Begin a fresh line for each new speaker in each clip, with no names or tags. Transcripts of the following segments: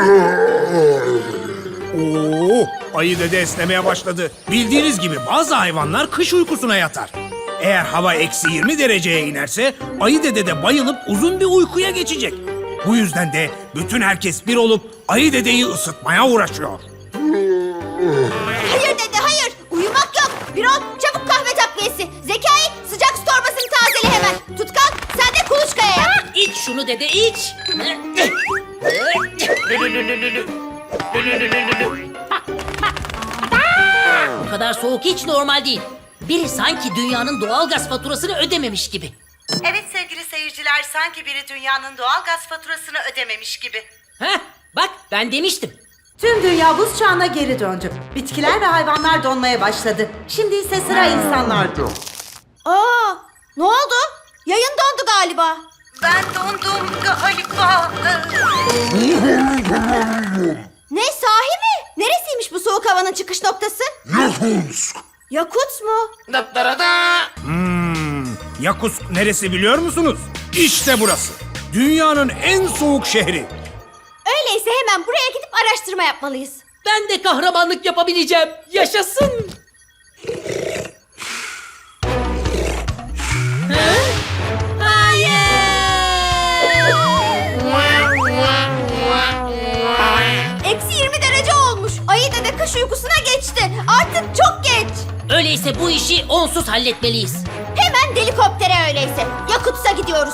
Oo, ayı dede esnemeye başladı. Bildiğiniz gibi bazı hayvanlar kış uykusuna yatar. Eğer hava -20 dereceye inerse ayı dede de bayılıp uzun bir uykuya geçecek. Bu yüzden de bütün herkes bir olup ayı dedeyi ısıtmaya uğraşıyor.
Hayır dede hayır. Uyumak yok. Birol çabuk kahve takviyesi. Zekai sıcak su torbasını tazele hemen. Tutkal sen de kuluçkaya yap.
İç şunu dede iç. Bu kadar soğuk hiç normal değil. Biri sanki dünyanın doğalgaz faturasını ödememiş gibi.
Evet sevgili seyirciler, sanki biri dünyanın doğal gaz faturasını ödememiş gibi.
Heh, bak ben demiştim.
Tüm dünya buz çağına geri döndü. Bitkiler ve hayvanlar donmaya başladı. Şimdi ise sıra insanlarda.
Aa, ne oldu? Yayın dondu galiba.
Ben dondum galiba.
Ne sahi mi? Neresiymiş bu soğuk havanın çıkış noktası?
Yakutsk.
Yakutsk mu?
Yakutsk neresi biliyor musunuz? İşte burası. Dünyanın en soğuk şehri.
Öyleyse hemen buraya gidip araştırma yapmalıyız.
Ben de kahramanlık yapabileceğim. Yaşasın. Ha?
-20 derece olmuş. Ayı dede kış uykusuna geçti. Artık çok geç.
Öyleyse bu işi onsuz halletmeliyiz.
Hemen helikoptere öyleyse. Yakutsk'a gidiyoruz.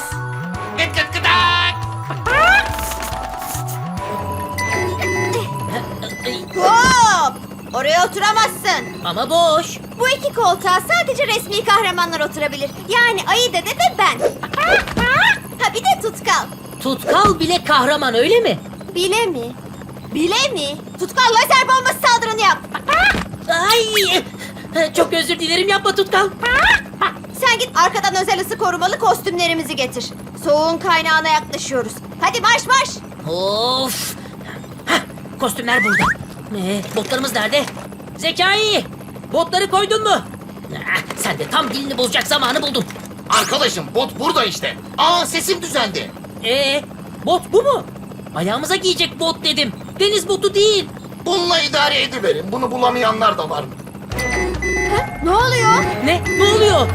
Hop! Oraya oturamazsın.
Ama boş.
Bu iki koltuğa sadece resmi kahramanlar oturabilir. Yani Ayı Dede ve ben. Ha bir de Tutkal.
Tutkal bile kahraman öyle mi?
Bile mi? Bile mi? Tutkal lazer bombası saldırını yap.
Ay! Çok özür dilerim, yapma Tutkal.
Sen git arkadan özel ısı korumalı kostümlerimizi getir. Soğuğun kaynağına yaklaşıyoruz. Hadi marş marş.
Of! Heh, kostümler burada. Botlarımız nerede? Zekai! Botları koydun mu? Sen de tam dilini bozacak zamanı buldun.
Arkadaşım bot burada işte. Aa sesim düzeldi.
Bot bu mu? Ayağımıza giyecek bot dedim. Deniz botu değil.
Bununla idare ediverin. Bunu bulamayanlar da var.
Ne oluyor?
Ne? Ne oluyor?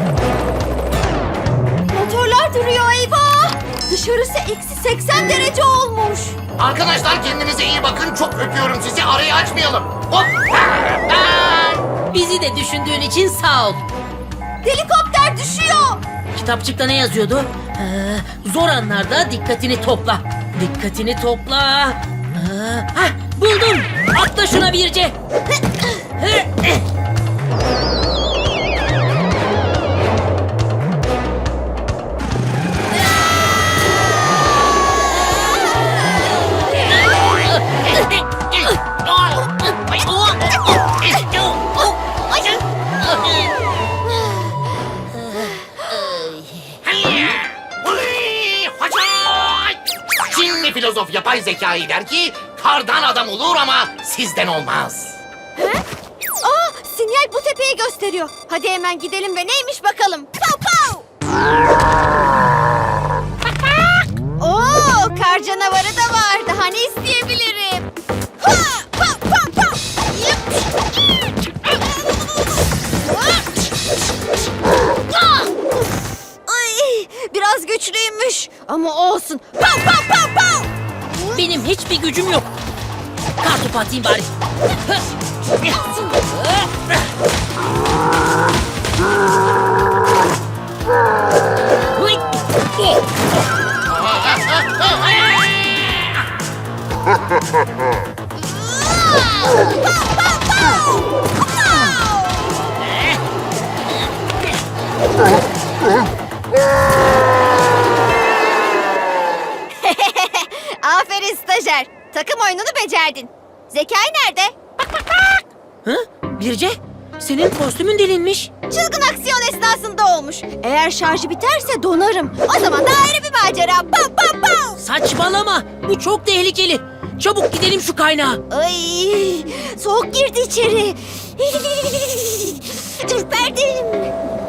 Motorlar duruyor eyvah. Dışarısı -80 derece olmuş.
Arkadaşlar kendinize iyi bakın. Çok öpüyorum sizi. Arayı açmayalım. Hop.
Bizi de düşündüğün için sağ ol.
Helikopter düşüyor.
Kitapçıkta ne yazıyordu? Zor anlarda dikkatini topla. Dikkatini topla. Buldum. Atla şuna Birce.
Çinli filozof yapay zekayı der ki kardan adam olur ama sizden olmaz.
Aa, sinyal bu tepeyi gösteriyor. Hadi hemen gidelim ve neymiş bakalım. Pow pow. Oo, kar canavarı da var. Daha ne isteyebilirim? Ha, pow pow pow. Yıp. Ay, biraz güçlüymüş ama olsun. Pow pow pow pow.
Benim hiçbir gücüm yok. Kartopu atayım bari.
Aferin stajyer. Takım oyununu becerdin. Zekai nerede?
Birce, senin kostümün delinmiş.
Çılgın aksiyon esnasında olmuş. Eğer şarjı biterse donarım. O zaman da ayrı bir macera. Pow pow pow.
Saçmalama. Bu çok tehlikeli. Çabuk gidelim şu kaynağa.
Ay, soğuk girdi içeri. Ürperdim.